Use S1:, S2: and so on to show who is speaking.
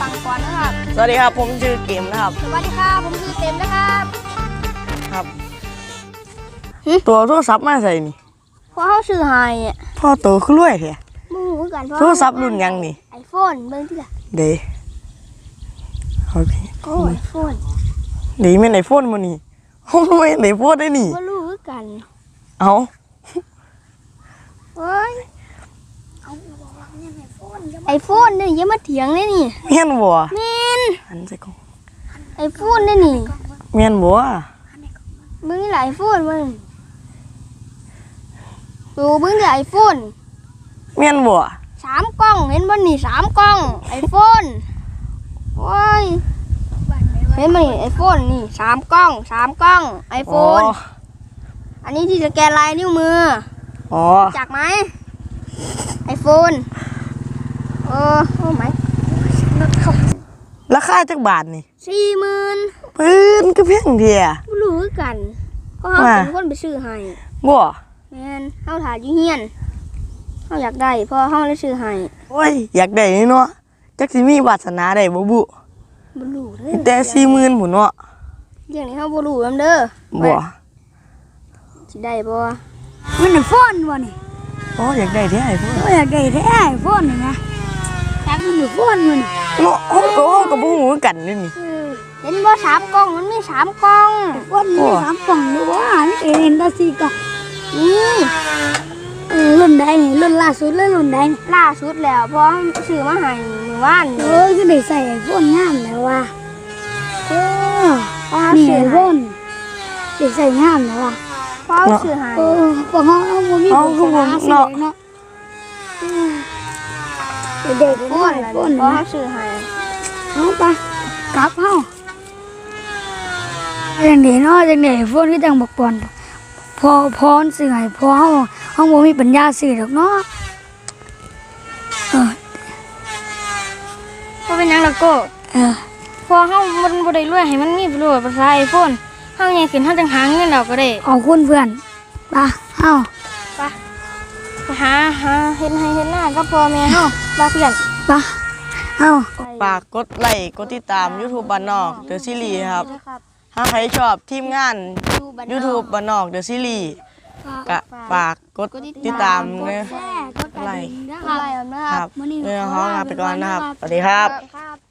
S1: ฟังก่อนนะครับ
S2: สวัสดีครับผมชื่อเกมนะครับ
S1: สวัสดีครับผมชื่อเต็มนะครับ
S2: ครับตัวโทรศัพท์มาใส่นี่
S1: พอเขาซื้อให้
S2: พ่อโตขึ้นรวยแท้
S1: มึงรู้กัน
S2: โทรศัพท์รุ่นยังนี่
S1: ไอโฟนเบิ่งที่ละ
S2: เด้โอเค
S1: โอ้ไอโฟน
S2: ดีแม่นไอโฟนมื้อนี้โอ้ไม่ไอโฟนได้นี่
S1: บ่รู้กัน
S2: เอา
S1: เฮ้ยไอโฟนนี่อย่ามาเถียงเลยนี่
S2: แม่นบ่
S1: แม่น
S2: หันใส่กล้อง
S1: ไอโฟนนี่นี่
S2: แม่นบ่
S1: มึงนี่แหละไอโฟนมึงดูมึงนี่ไอโฟน
S2: แม่นบ่
S1: 3กล้องเห็นบ่นี่3กล้องไอโฟนโอ้ยเห็นบ่นี่ไอโฟนนี่3กล้องไอโฟนอันนี้ที่สแกนลายนิ้วมือ
S2: อ๋อ
S1: จักไหมไอโฟนโอ้ไหม
S2: ราคาจักบาทนี่
S1: 40,000
S2: ปืนก็เพียงเดีย
S1: บ่รู้กันก็เฮาเป็นคนไปซื้อให้
S2: บ่
S1: แม่นเฮาถ่ายอยู่เฮียนเฮาอยากได้เพราะเฮาเลยซื้อให้
S2: โอ้ยอยากได้นี่เนาะจักสิมีวาสนาได้บ่บุ
S1: บ่รู้เด้อ
S2: แต่40,000พุ่นเนาะ
S1: เรื่องนี้เฮาบ่รู้นำเด้อ
S2: บ่
S1: สิได้บ่
S3: มันไอโฟนบ่นี่
S2: โอ้อยากได้แท้ไอโฟน
S3: อยากได้แท้ไอโฟนนี่นะจักมันไอโฟนมัน
S2: เนาะเฮาก็บ่ฮู้กันนี่
S1: เห็นบ่3กล้องมันมี3กล้อง
S3: ไอโฟนมี3กล่องหรือว่าเห็นแต่4กล่อง
S1: นี่
S3: รุ่นใดนี่รุ่นล่าสุดเลยรุ่นใด
S1: ล่าสุดแล้วเพราะซื้อมาให้มื้อวาน
S3: ก็ได้ใส่ไอโฟนงามแล้วว่ะนี่ไอโฟนได้ใส่งามแล้วว่ะ
S1: เพราะซื้อให้
S3: พวกเฮาบ่มีบุญเนาะเด็กๆ
S1: เพราะซื้อให้
S3: เอาไปกลับเฮาจังได๋เนาะจังได๋โฟนคือจังบักปอนพอซื้อให้พอเฮาบ่มีปัญญาซื้อดอกเนาะ
S1: บ่เป็นหยังล่ะโก้พอเฮามันบ่ได้รวยให้มันมีประโยชน์ภาษา iPhone เฮาใหญ่ขึ้นเฮาจังหาเงินแล้วก็ได้
S3: ขอบคุณเพื่อนไปเฮา
S1: ไปหาเฮ็ดให้เฮ็ดหน้ากับพ่อแม่เฮาบ่เพื่อน
S3: ไปเฮา
S2: ฝากกดไลค์กดติดตาม YouTube บ้านนอก The Series ครับถ้าใครชอบทีมงาน YouTube บ้านนอก The Series ก็ฝากกดติดตามนะไลค์
S1: นะครับ
S2: เรื่องของลาไปก่อนนะครับสวัสดีครับ